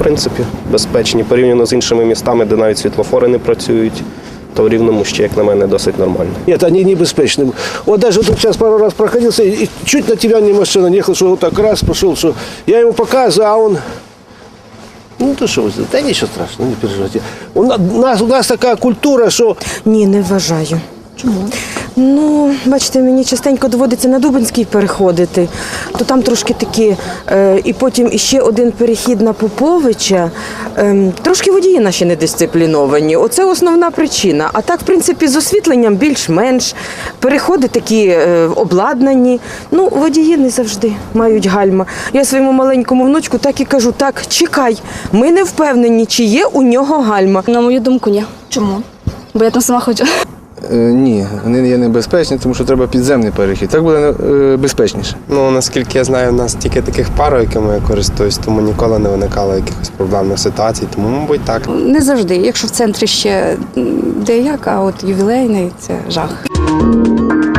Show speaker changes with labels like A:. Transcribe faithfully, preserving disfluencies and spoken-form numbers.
A: принципі, безпечні. Порівняно з іншими містами, де навіть світлофори не працюють, то в Рівному ще, як на мене, досить нормально.
B: Нет, они небеспечны. Вот даже тут сейчас пару раз проходился, и чуть на тебя не машина не ехал, что вот так раз пошел, что я ему показываю, а он... Ну, то что вы сделаете? Да ничего страшного, не переживайте. У нас, у нас така культура, що...
C: Ні, не вважаю.
D: Чому?
C: Ну, бачите, мені частенько доводиться на Дубинський переходити, то там трошки такі, е, і потім іще один перехід на Поповича. Е, трошки водії наші недисципліновані. Оце основна причина. А так, в принципі, з освітленням більш-менш. Переходи такі е, обладнані. Ну, водії не завжди мають гальма. Я своєму маленькому внучку так і кажу, так, чекай, ми не впевнені, чи є у нього гальма.
D: На мою думку, ні. Чому? Бо я там сама хочу.
E: Е, ні, вони є небезпечні, тому що треба підземний перехід. Так буде е, безпечніше.
F: Ну, наскільки я знаю, у нас тільки таких пар, якими я користуюсь, тому ніколи не виникало якихось проблемних ситуацій, тому, мабуть, так.
G: Не завжди. Якщо в центрі ще деяк, а от ювілейний – це жах.